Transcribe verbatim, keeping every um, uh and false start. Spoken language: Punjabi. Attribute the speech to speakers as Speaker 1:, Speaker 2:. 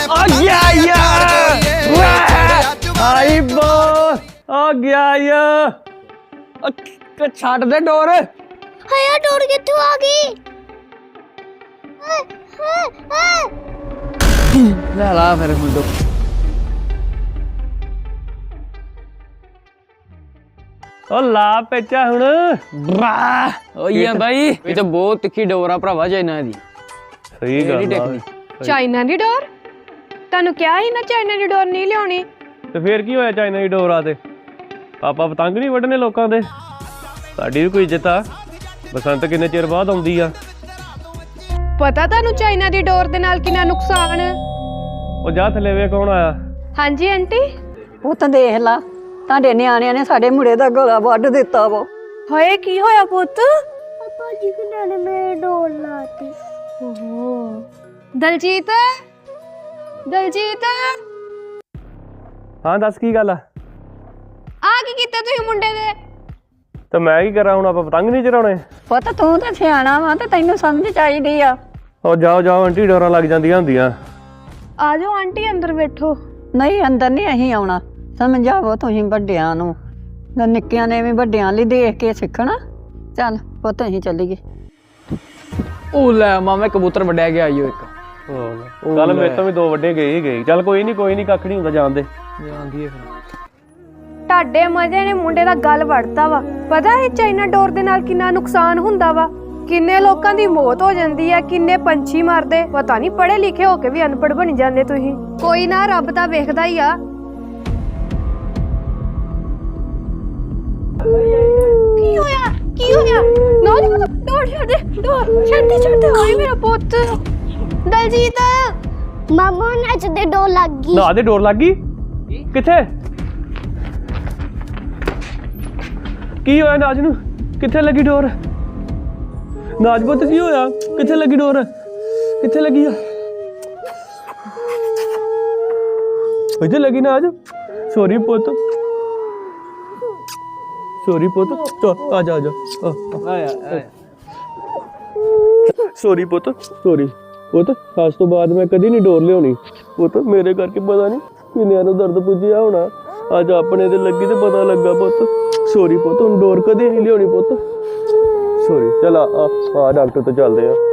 Speaker 1: आ गया यार आई बो आ गया यार छाट दे डोर
Speaker 2: हाय यार डोर कित्थों आ गई
Speaker 1: ले ला फिर मुंडो ओ ला पेचा हुण ओए भाई ये तो बहुत तिखी डोर आ भरावा चाइना दी सही गल
Speaker 3: ਚਾਈਨਾ ਦੀ ਡੋਰ ਤੁਹਾਨੂੰ ਕਿਹਾ ਸੀ ਨਾ ਚਾਈਨਾ ਦੀ ਡੋਰ ਨਹੀਂ ਲਿਆਉਣੀ
Speaker 1: ਤੇ ਫੇਰ ਕੀ ਹੋਇਆ ਚਾਈਨਾ ਦੀ ਡੋਰ ਆ ਤੇ ਪਾਪਾ ਪਤੰਗ ਨਹੀਂ ਵੱਢਣੇ ਲੋਕਾਂ ਦੇ ਸਾਡੀ ਵੀ ਕੋਈ ਇੱਜ਼ਤ ਆ ਬਸੰਤ ਕਿੰਨੇ ਚਿਰ ਬਾਅਦ ਆਉਂਦੀ ਆ
Speaker 3: ਪਤਾ ਤੁਹਾਨੂੰ ਚਾਈਨਾ ਦੀ ਡੋਰ ਦੇ ਨਾਲ ਕਿੰਨਾ ਨੁਕਸਾਨ
Speaker 1: ਉਹ ਜਾ ਥੱਲੇ ਵੇ ਕੌਣ ਆਇਆ
Speaker 3: ਹਾਂਜੀ ਆਂਟੀ
Speaker 4: ਉਹ ਤਾਂ ਦੇਖ ਲਾ ਤੁਹਾਡੇ ਨਿਆਣਿਆਂ ਨੇ ਸਾਡੇ ਮੁੰਡੇ ਦਾ ਗਲਾ ਵੱਢ ਦਿੱਤਾ ਵਾ
Speaker 3: ਹੋਏ ਕੀ ਹੋਇਆ ਪੁੱਤ
Speaker 2: पापा जी के ने मेरे डोर लाती
Speaker 3: ਓਹੋ ਦਲਜੀਤ ਦਲਜੀਤ
Speaker 1: ਹਾਂ ਦੱਸ ਕੀ ਗੱਲ ਆ
Speaker 3: ਆ ਕੀ ਕੀਤਾ ਤੁਸੀਂ ਮੁੰਡੇ ਦੇ
Speaker 1: ਤੇ ਮੈਂ ਕੀ ਕਰਾਂ ਹੁਣ ਆਪਾਂ ਪਤੰਗ ਨਹੀਂ ਚੜਾਉਣੇ
Speaker 4: ਪੁੱਤ ਤੂੰ ਤਾਂ ਸਿਆਣਾ ਵਾ ਤੇ ਤੈਨੂੰ ਸਮਝ ਚਾਹੀਦੀ ਆ
Speaker 1: ਉਹ ਜਾਓ ਜਾਓ ਆਂਟੀ ਡੋਰਾਂ ਲੱਗ ਜਾਂਦੀਆਂ ਹੁੰਦੀਆਂ
Speaker 3: ਆ ਜਾਓ ਆਂਟੀ ਅੰਦਰ ਬੈਠੋ
Speaker 4: ਨਹੀਂ ਅੰਦਰ ਨਹੀਂ ਅਸੀਂ ਆਉਣਾ ਸਮਝਾਵੋ ਤੁਸੀਂ ਵੱਡਿਆਂ ਨੂੰ ਤੇ ਨਿੱਕਿਆਂ ਨੇ ਵੀ ਵੱਡਿਆਂ ਲਈ ਦੇਖ ਕੇ ਸਿੱਖਣਾ ਚੱਲ ਪੁੱਤ ਅਸੀਂ ਚੱਲੀਏ
Speaker 5: ਉਹ ਲੈ ਮਾਮਾ ਕਬੂਤਰ ਵੱਡਿਆ ਗਿਆ ਆਈਓ ਇੱਕ
Speaker 1: ਕੱਲ ਮੇਰੇ ਤੋਂ ਵੀ ਦੋ ਵੱਡੇ ਗਏ ਹੀ ਗਏ ਚੱਲ ਕੋਈ ਨਹੀਂ ਕੋਈ ਨਹੀਂ ਕੱਖ ਨਹੀਂ ਹੁੰਦਾ ਜਾਣਦੇ
Speaker 5: ਜਾਂਦੀ ਹੈ ਫਿਰ
Speaker 3: ਤੁਹਾਡੇ ਮਜ਼ੇ ਨੇ ਮੁੰਡੇ ਦਾ ਗਲ ਵੜਤਾ ਵਾ ਪਤਾ ਹੈ ਚਾਈਨਾ ਡੋਰ ਦੇ ਨਾਲ ਕਿੰਨਾ ਨੁਕਸਾਨ ਹੁੰਦਾ ਵਾ ਕਿੰਨੇ ਲੋਕਾਂ ਦੀ ਮੌਤ ਹੋ ਜਾਂਦੀ ਹੈ ਕਿੰਨੇ ਪੰਛੀ ਮਰਦੇ ਪਤਾ ਨਹੀਂ ਪੜ੍ਹੇ ਲਿਖੇ ਹੋ ਕੇ ਵੀ ਅਨਪੜ੍ਹ ਬਣ ਜਾਂਦੇ ਤੁਸੀਂ ਕੋਈ ਨਾ ਰੱਬ ਤਾਂ ਵੇਖਦਾ ਹੀ ਆ ਕੀ ਹੋਇਆ ਕੀ ਹੋਇਆ ਨਾ ਨਾ ਡੋਰ ਛੱਡ ਦੇ ਡੋਰ ਛੱਡ ਦੇ ਛੱਡ ਦੇ ਓਏ ਮੇਰਾ ਪੁੱਤ ਦਲਜੀਤ
Speaker 2: मामा नाच दे डोर लग गई
Speaker 1: ਨਾ ਦੇ ਡੋਰ ਲੱਗ ਗਈ ਕਿੱਥੇ ਕੀ ਹੋਇਆ ਨਾਜ ਨੂੰ ਕਿੱਥੇ ਲੱਗੀ ਡੋਰ ਨਾਜ ਪੁੱਤ ਕੀ ਹੋਇਆ ਕਿੱਥੇ ਲੱਗੀ ਡੋਰ ਕਿੱਥੇ ਲੱਗੀ ਆ ਇੱਥੇ ਲੱਗੀ ਨਾਜ ਸੌਰੀ ਪੁੱਤ ਸੌਰੀ ਪੁੱਤ ਚਲ ਆ ਜਾ ਆ ਜਾ
Speaker 5: ਆਇਆ ਆਇਆ
Speaker 1: ਸੌਰੀ ਪੁੱਤ ਸੌਰੀ ਪੁੱਤ ਅੱਜ ਤੋਂ ਬਾਅਦ ਮੈਂ ਕਦੀ ਨਹੀਂ ਡੋਰ ਲਿਆਉਣੀ ਪੁੱਤ ਮੇਰੇ ਕਰਕੇ ਪਤਾ ਨਹੀਂ ਕਿੰਨਿਆਂ ਨੂੰ ਦਰਦ ਪੁੱਜਿਆ ਹੋਣਾ ਅੱਜ ਆਪਣੇ ਤੇ ਲੱਗੀ ਤੇ ਪਤਾ ਲੱਗਾ ਪੁੱਤ ਸੌਰੀ ਪੁੱਤ ਹੁਣ ਡੋਰ ਕਦੇ ਨਹੀਂ ਲਿਆਉਣੀ ਪੁੱਤ ਸੌਰੀ ਚਲ ਆ ਆ ਡਾਕਟਰ ਤੋਂ ਚੱਲਦੇ ਆ